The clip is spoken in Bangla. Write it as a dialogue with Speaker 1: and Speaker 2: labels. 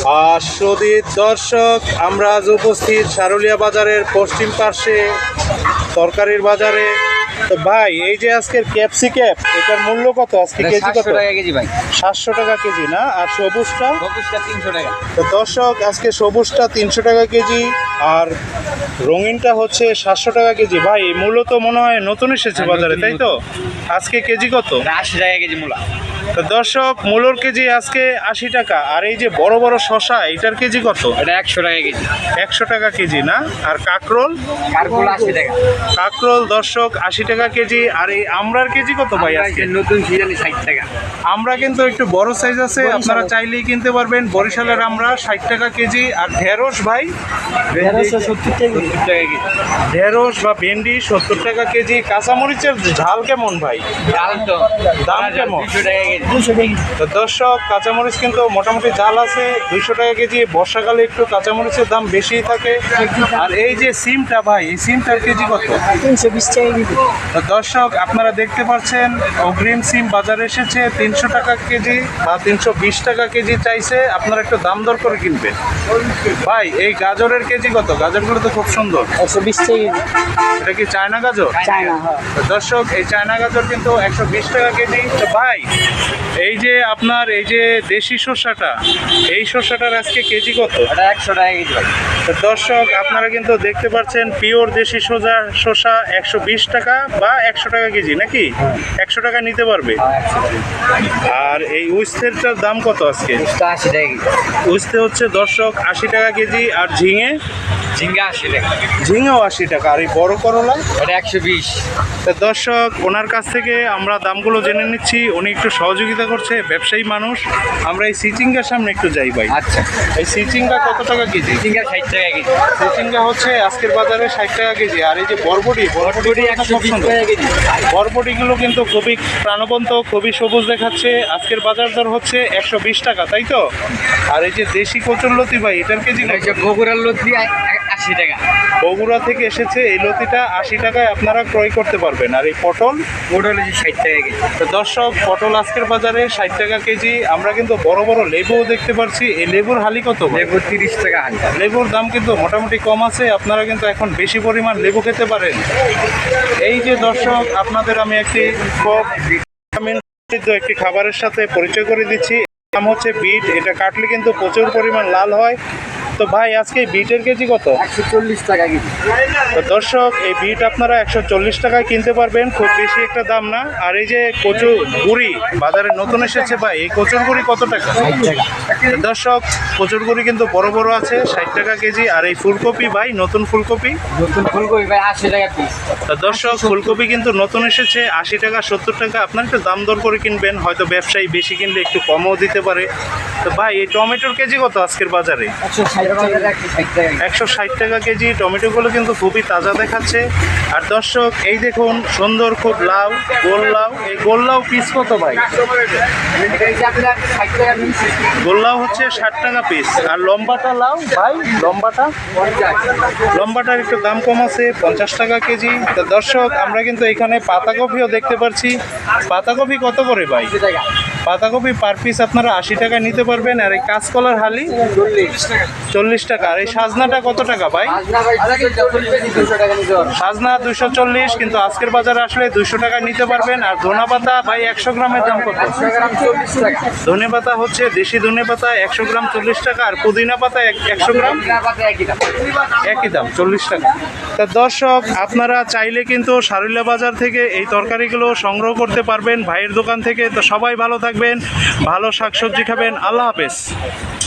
Speaker 1: সুধীর দর্শক, আমরা আজ উপস্থিত সারুলিয়া বাজারের পশ্চিম পার্শ্বে তরকারির বাজারে। তো ভাই, এই যে আজকের ক্যাপসিকাম, এটার মূল্য কত আজকে? কেজি কত?
Speaker 2: 700 টাকা কেজি ভাই।
Speaker 1: 700 টাকা কেজি না? আর সবুজটা?
Speaker 2: সবুজটা 300 টাকা।
Speaker 1: তো দর্শক, আজকে সবুজটা 300 টাকা কেজি আর রঙিনটা হচ্ছে 700 টাকা কেজি। ভাই, মূলত মনে হয় নতুন এসেছে বাজারে, তাই তো? আজকে কেজি কত?
Speaker 2: 80 টাকা কেজি মূলা।
Speaker 1: তো দর্শক, মূলোর কেজি আজকে 80 টাকা। আর এই যে বড় বড় শশা, এটার কেজি কত?
Speaker 2: এটা 100 টাকা কেজি।
Speaker 1: 100 টাকা কেজি না? আর কাকরোল?
Speaker 2: কারকুল 80 টাকা।
Speaker 1: কাকরোল দর্শক 80 টাকা কেজি। আর এই আমড়ার কেজি কত ভাই আজকে?
Speaker 2: নতুন সিজনে 60 টাকা।
Speaker 1: আমরা কিন্তু একটু বড় সাইজ আছে, আপনারা চাইলেই কিনতে পারবেন। বরিশালের আমরা 60 টাকা কেজি। আর ঢেঁড়স ভাই?
Speaker 2: 70 টাকা কেজি।
Speaker 1: ঢেঁড়স বা ভেন্ডি 70 টাকা কেজি। কাঁচামরিচের ঝাল কেমন ভাই?
Speaker 2: ডাল তো
Speaker 1: দাম কেমন?
Speaker 2: 200 টাকা কেজি। 200 টাকা।
Speaker 1: তো দর্শক, কাঁচামরিচ কিন্তু মোটামুটি ঝাল আছে 200 টাকা কেজি। বর্ষাকালে একটু কাঁচামরিচের দাম বেশিই থাকে। আর এই যে সিমটা ভাই, এই সিমটার কেজি কত?
Speaker 2: 320 টাকা কেজি।
Speaker 1: তো দর্শক, আপনারা দেখতে পাচ্ছেন অগ্রিম সিম বাজারে এসেছে 300 টাকা কেজি বা 320 টাকা কেজি চাইছে। আপনারা একটু দাম দর করে কিনবেন। ভাই, এই গাজরের কেজি কত? গাজরগুলো তো খুব সুন্দর।
Speaker 2: 120 টাকা কেজি।
Speaker 1: এটা কি চায়না গাজর?
Speaker 2: চায়না, হ্যাঁ।
Speaker 1: তো দর্শক, এই চায়না গাজর কিন্তু 120 টাকা কেজি। তো ভাই, এই যে আপনার এই যে দেশি শসাটা, এই শসাটার আজকে কেজি কত?
Speaker 2: এটা 100 টাকা কেজি ভাই।
Speaker 1: তো দর্শক, আপনারা কিন্তু দেখতে পাচ্ছেন পিওর দেশি শসা 120 টাকা বা 100 টাকা কেজি নাকি? 100 টাকা নিতে পারবে। আর এই উস্তেরটার দাম কত আজকে?
Speaker 2: 80 টাকা কেজি।
Speaker 1: উস্তে হচ্ছে দর্শক 80 টাকা কেজি। আর ঝিঙে?
Speaker 2: ঝিঙ্গা 80 টাকা।
Speaker 1: ঝিঙেও 80 টাকা। আর এই বড় করলা?
Speaker 2: এটা 120।
Speaker 1: তো দর্শক, ওনার কাছ থেকে আমরা দামগুলো জেনে নিচ্ছি। উনি একটু সহযোগিতা করছে, ব্যবসায়ী মানুষ। আমরা এই সিচিঙ্গার সামনে একটু যাই ভাই।
Speaker 2: আচ্ছা,
Speaker 1: এই সিচিঙ্গা কত টাকা কেজি?
Speaker 2: ঝিঙ্গা 60 টাকা কেজি।
Speaker 1: সিচিঙ্গা হচ্ছে আজকের বাজারে 60 টাকা কেজি। আর এই যে বরবটি,
Speaker 2: বরবটি 120 টাকা কেজি।
Speaker 1: বরবটিগুলো কিন্তু খুবই প্রাণবন্ত, খুবই সবুজ দেখাচ্ছে। আজকের বাজার দর হচ্ছে 120 টাকা, তাই তো? আর এই যে দেশি কচুরলতি ভাই, এটার কেজি কত?
Speaker 2: বগুড়ার লতি 80 টাকা।
Speaker 1: বগুড়া থেকে এসেছে এই লতিটা 80 টাকায় আপনারা ক্রয় করতে পারবেন। আর এই পটল?
Speaker 2: পটল 60 টাকা কেজি।
Speaker 1: তো দর্শক, পটল আজকের বাজারে 60 টাকা কেজি। আমরা কিন্তু বড় বড় লেবুও দেখতে পাচ্ছি। এই লেবুর হালি কত?
Speaker 2: লেবু 30 টাকা হালি।
Speaker 1: লেবুর দাম কিন্তু মোটামুটি কম আছে, আপনারা কিন্তু এখন বেশি পরিমাণ লেবু খেতে পারেন। এই যে দর্শক, আপনাদের আমি একটি ভিটামিন একটি খাবারের সাথে পরিচয় করে দিচ্ছি। নাম হচ্ছে বিট। এটা কাটলে কিন্তু প্রচুর পরিমাণ লাল হয়। তো ভাই, আজকে এই বিটের কেজি কত?
Speaker 2: 140 টাকা কেজি।
Speaker 1: তো দর্শক, এই বিট আপনারা 140 টাকায় কিনতে পারবেন, খুব বেশি একটা দাম না। আর এই যে কচুর গুড়ি বাজারে নতুন এসেছে ভাই, এই কচুর গুড়ি কত টাকা?
Speaker 2: 60 টাকা।
Speaker 1: তো দর্শক, কচুর গুড়ি কিন্তু বড় বড় আছে 60 টাকা কেজি। আর এই ফুলকপি ভাই, নতুন ফুলকপি?
Speaker 2: নতুন ফুলকপি ভাই 80 টাকা পিস।
Speaker 1: তো দর্শক, ফুলকপি কিন্তু নতুন এসেছে 80 টাকা 70 টাকা। আপনার একটু দাম দর করে কিনবেন, হয়তো ব্যবসায়ী বেশি কিনলে একটু কমও দিতে পারে। তো ভাই, এই টমেটোর কেজি কত আজকের বাজারে? 160 টাকা কেজি। টমেটোগুলো কিন্তু খুবই তাজা দেখাচ্ছে। আর দর্শক, এই দেখুন সুন্দর খুব লাউ, গোল লাউ। এই গোল লাউ পিস কত ভাই? গোল লাউ হচ্ছে 60 টাকা পিস। আর লম্বাটা লাউ ভাই, লম্বাটার একটু দাম কম আছে 50 টাকা কেজি। তো দর্শক, আমরা কিন্তু এখানে পাতাকপিও দেখতে পাচ্ছি। পাতাকপি কত করে ভাই? পাতাকপি পার পিস আপনারা 80 টাকা নিতে পারবেন। আর এই কাঁচকলার হালি 40 টাকা। আর এই সাজনাটা কত টাকা ভাই? সাজনা 240, কিন্তু আজকের বাজারে আসলে 200 টাকা নিতে পারবেন। আর ধনে পাতা ভাই, 100 গ্রামের দাম কত? ধনে পাতা হচ্ছে দেশি ধনে পাতা 100 গ্রাম 40 টাকা। আর পুদিনা পাতা 100 গ্রাম একই দাম 40 টাকা। তা দর্শক, আপনারা চাইলে কিন্তু সারুলিয়া বাজার থেকে এই তরকারিগুলো সংগ্রহ করতে পারবেন ভাইয়ের দোকান থেকে। তো সবাই ভালো থাকবেন, ভালো শাকসবজি খাবেন। আল্লাহ হাফেজ।